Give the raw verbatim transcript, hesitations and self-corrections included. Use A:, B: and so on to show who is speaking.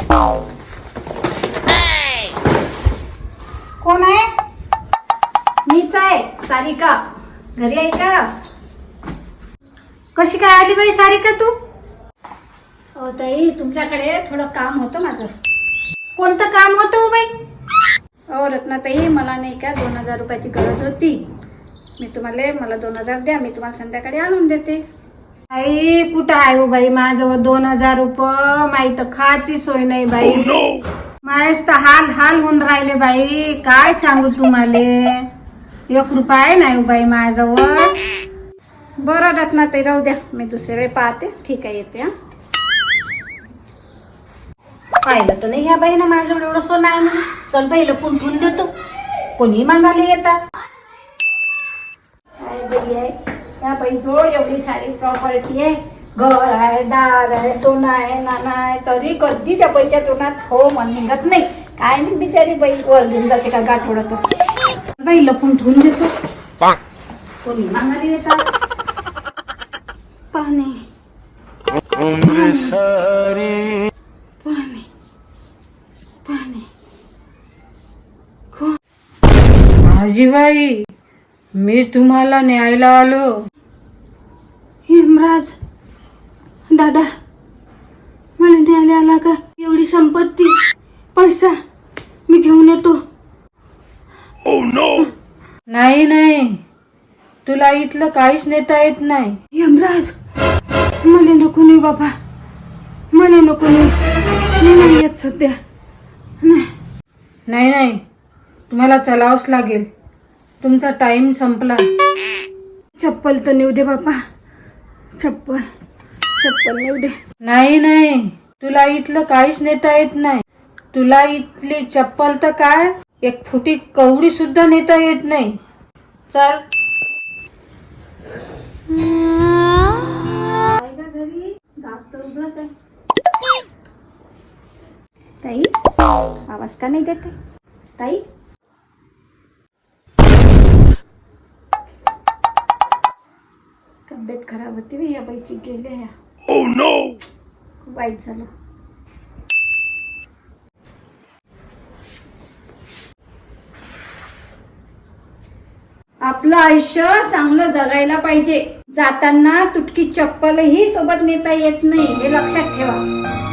A: कोण आहे? मीच आहे, सारिका. घरी आहे का?
B: कशी काय आली बाई सारिका तू?
A: हो ताई, तुमच्याकडे थोडं काम होतं माझं.
B: कोणतं काम होतं बाई?
A: हो रत्नाताई, मला नाही का दोन हजार रुपयाची गरज होती. मी तुम्हाला मला दोन हजार द्या, मी तुम्हाला संध्याकाळी आणून देते.
B: आई कुठं आहे हो बाई माझ्याजवळ दोन हजार रुपये? माही तर खायची सोय नाही बाई. माझ्याच तर हाल हाल होऊन राहिले बाई. काय सांगू तुम्हाला, एक रुपया नाही हो बाई माझ्याजवळ.
A: बरं रत्नाताई, राहू द्या, मी दुसरे पाहते. ठीक आहे, येते. हा,
B: पाहिलं तर नाही ह्या बाईनं माझ्याजवळ एवढं सोनं आहे म्हणून. चल बाई लपून ठेवून देतो, कोणी मागायला येतात.
A: काय बाई आहे या बाईजवळ एवढी सारी प्रॉपर्टी आहे, घर आहे, दार आहे, सोनं आहे, नाणं आहे, तरी कधी त्या बाईच्या तोंडात हो मन निघत नाही. काय मी बिचारी बाई वर घेऊन जाते का गाठ ओढतो.
B: बाई लपून ठेवून देतो, कोणी मागायला येतात. पाणी पाणी पाणी.
C: आजीबाई, मी तुम्हाला न्यायला आलो.
B: हेमराज दादा, मला न्यायला आला का? एवढी संपत्ती, पैसा मी घेऊन येतो.
C: नाही नाही, तुला इथलं काहीच नेता येत नाही.
B: हेमराज, मला नको नाही बाबा, मला नको नाही. मी नाही येत सध्या. नाही
C: नाही नाही, तुम्हाला चलावंच लागेल. तुमचा टाइम संपला.
B: चप्पल तर नेऊ दे बाबा, चप्पल चप्पल नेऊ दे.
C: नाही नाही, तुला इथलं काहीच नेता येत नाही. तुला इथली चप्पल तर काय, एक फुटी कवडी सुद्धा नेता येत नाही. चल.
A: घरी गाव तर उघडच आहे. ताई, आवाज का नाही देते ताई? तब्येत खराब होती बी या बाईची, गेले ह्या.
D: Oh no!
A: खूप वाईट झालं. आपलं आयुष्य चांगलं जगायला पाहिजे. जाताना तुटकी चप्पलही सोबत नेता येत नाही, हे लक्षात ठेवा.